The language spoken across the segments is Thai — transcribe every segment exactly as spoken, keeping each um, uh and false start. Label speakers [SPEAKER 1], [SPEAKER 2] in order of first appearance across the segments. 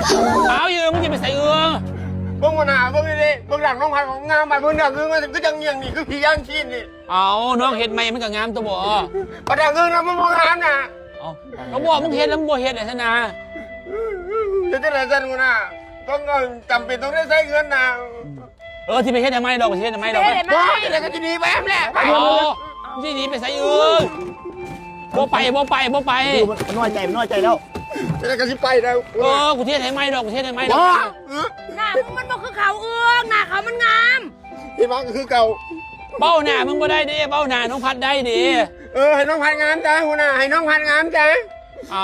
[SPEAKER 1] เอาอยู่มึงจะไปใส่เอือ
[SPEAKER 2] เบิ่งมาหน้าเบิ่งนี่เบิ่งหลังน้องพันของงามไปเบิ่งหน้าคือมันก็ยังเงียงนี่คือผีย่างชีนนี่
[SPEAKER 1] เอาน้องเห็ดไหมมันก็งามตัวบ่
[SPEAKER 2] ประดังเงินนะมันมองงามนะ
[SPEAKER 1] เอาเขาบอกมึงเห็ดแล้วมึงบ่เห็ดไอ้ชนะ
[SPEAKER 2] จะได้ไรเส้นกูนะต้องจำเป็นต้องได้ใช้เงินนะ
[SPEAKER 1] เออที่ไปเห็ดทำไมดอกไปเห็ดทำไมดอกไป
[SPEAKER 2] อะไรก็จะหนีไปแอมแหละ
[SPEAKER 1] เอาที่หนีไปใส่เอือบ่ไปบ่ไปบ่ไป
[SPEAKER 3] มันน้อยใจมันน้อยใจแล้ว
[SPEAKER 2] จะก็จะไปแล้ว
[SPEAKER 1] เออกูเทศให้ไหมดอกกูเทศให้ไหมดอก
[SPEAKER 4] หน้ามึงมันบอกคือเขาเอื้องหน้าเขามันงาม
[SPEAKER 2] ที่มันก็คือเก่า
[SPEAKER 1] เบ้าหน้ามึงบ่ได้ดิเบ้าหน้าน้องพัดได้ดิ
[SPEAKER 2] เออให้น้องพันงามจ้าหัวหน้าให้น้องพันงามจ้า
[SPEAKER 1] เอา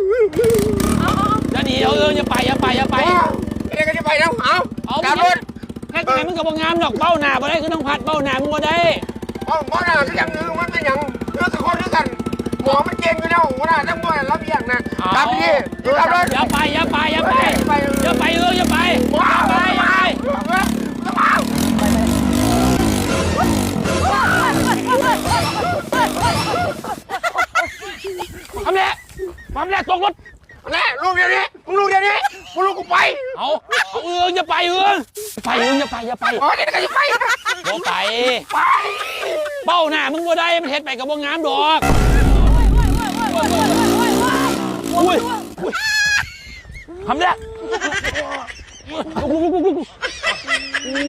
[SPEAKER 1] จะหนีเอาเอออย่าไปอย่าไปอย่าไป
[SPEAKER 2] อะไรก็จะไปแล้วเอา
[SPEAKER 1] เอาการรถแค่ไหนมึงก็บ่งามดอกเบ้าหน้าบ่ได้คือน้องพัดเบ้าหน้ามึงบ่ได้
[SPEAKER 2] เบ้าเบ้าหน้าก็ยังนึงมันเป็นอย่างเรื่องกับคนด้วยกันหมอมันเก่งกันแล้วหัวหน้าทั้งหมดรับอย่างนะรับพี่รับรถ
[SPEAKER 1] อย่าไปอย่าไปอย่าไปอย่าไปเอออย่าไป
[SPEAKER 2] ว้าว
[SPEAKER 1] ไป
[SPEAKER 2] ไปว้าว
[SPEAKER 1] ทำแหละทำแหละตกรถ
[SPEAKER 2] แน่ลูกเดี๋ยวนี้มึงลูกเดี๋ยวนี้มึงลูกกูไป
[SPEAKER 1] เอาเอาเอออย่าไปเออไปเอออย่าไปอย่าไป
[SPEAKER 2] อ๋อเดี๋ยวก็จะไป
[SPEAKER 1] บ่ไป
[SPEAKER 2] ไป
[SPEAKER 1] เบ้าหน้ามึงบ่ได้มันเฮ็ดไปกับบ่งามดอกอุ้ยทำแหละ